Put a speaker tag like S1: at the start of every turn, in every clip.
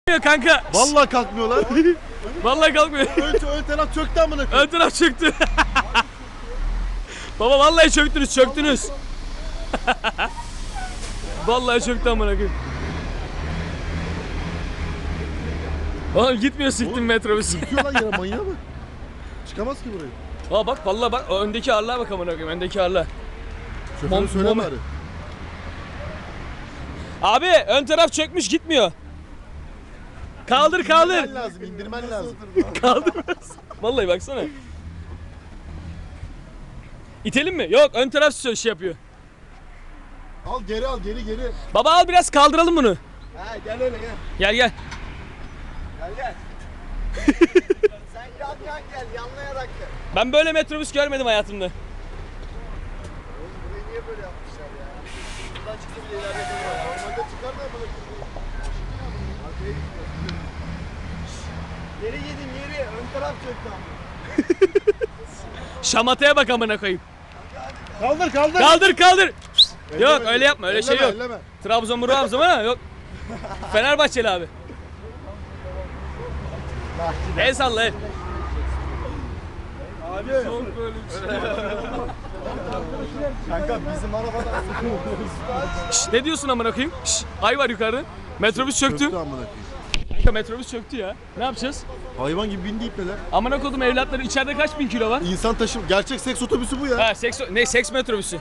S1: Kanka.
S2: Vallahi kalkmıyorlar.
S1: Vallahi kalkmıyor.
S2: Ön taraf çöktü amına koyayım.
S1: Ön taraf çöktü. Baba vallahi çöktünüz. Vallahi çöktü amına koyayım. Oğlum gitmiyor siktim metrobüs.
S2: Çöküyor lan yere, manyağa bak. Çıkamaz ki burayı.
S1: Aa bak vallahi bak öndeki ağırlığa bak amına koyayım, öndeki ağırlığa.
S2: Şoförü söyle bari.
S1: Abi ön taraf çökmüş, gitmiyor. Kaldır.
S2: İndirmen lazım, indirmen lazım.
S1: Kaldırmaz. Vallahi baksana. İtelim mi? Yok, ön taraf şey yapıyor.
S2: Al geri.
S1: Baba al biraz kaldıralım bunu.
S2: Ha gel öyle gel.
S1: Gel.
S2: Gel. Sen yan gel, yanlayarak gel.
S1: Ben böyle metrobüs görmedim hayatımda.
S2: Oğlum burayı niye böyle yapmışlar ya? Buradan çıktı bile ileride kalıyor. Normalde çıkar da bana arkaya gidiyor. Geri gidin geri. Ön taraf çöktü ama.
S1: Şamataya bak amına koyayım.
S2: Kaldır.
S1: Kaldır.
S2: Elleme,
S1: Yok öyle yapma, öyle şey yok.
S2: Elleme.
S1: Trabzon ama yok. Fenerbahçeli abi. El salla el.
S2: Abi çok böyle bir şey. Kanka bizim arabadan
S1: Şşş, ne diyorsun amına koyayım? Şşş, ay var yukarıda. Metrobüs çöktü.
S2: çöktü amına koyayım.
S1: Kanka metrobüs çöktü ya. Ne yapacağız?
S2: Hayvan gibi bindi ipneler.
S1: Amına kodum evlatları, içeride kaç bin kilo var?
S2: İnsan taşım. Gerçek seks otobüsü bu ya.
S1: Ha seks metrobüsü.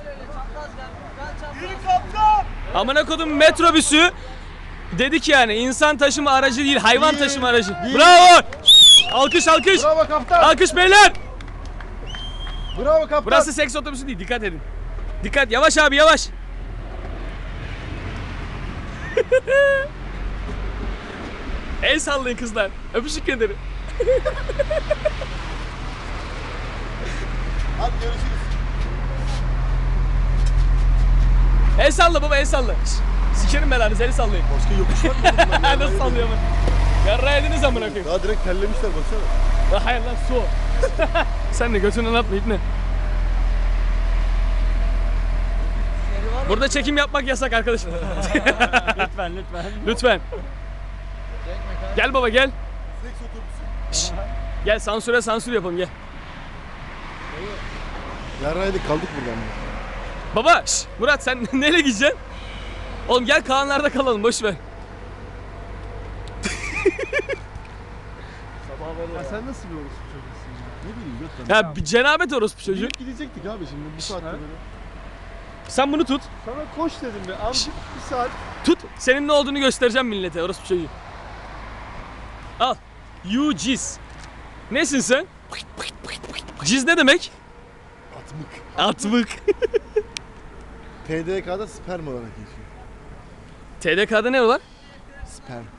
S1: Amına kodum metrobüsü dedik yani, insan taşıma aracı değil, hayvan taşıma aracı. Bravo! Alkış.
S2: Bravo kaptan.
S1: Alkış beyler.
S2: Bravo kaptan.
S1: Burası seks otobüsü değil, dikkat edin. Dikkat, yavaş abi yavaş. El sallayın kızlar. Öpüşük ederim.
S2: Hadi görüşürüz.
S1: El salla baba, el salla. Şş, sikerim belanızı, el sallayın.
S2: Başka yokuş var mı bunlar?
S1: Nasıl sallıyor ama? Yarrağı yediniz amına koyayım.
S2: Daha direkt terlemişler baksana.
S1: La hayır lan, su. Sen de götünden atma ipne. Burada çekim yapmak yasak arkadaşlar. Lütfen. Gel baba gel.
S2: Seks otobüsü.
S1: Şş, gel sansür yapalım gel.
S2: Yarraydık kaldık buradan.
S1: Baba şş, Murat sen neyle gideceksin? Oğlum gel Kaanlar'da kalalım, boş ver.
S2: Ya sen nasıl bir orospu çocuğusun ya? Ne bileyim götür.
S1: Ya bir cenabet orospu çocuğu.
S2: Gidip gidecektik abi şimdi bu saatte böyle.
S1: Sen bunu tut.
S2: Sana koş dedim be. Amcık bir saat.
S1: Tut. Senin ne olduğunu göstereceğim millete, orospu çocuğu. Al. You ciz. Nesin sen? Ciz ne demek?
S2: Atmık.
S1: Atmık.
S2: TDK'da sperm olarak geçiyor.
S1: TDK'da ne var?
S2: Sperm.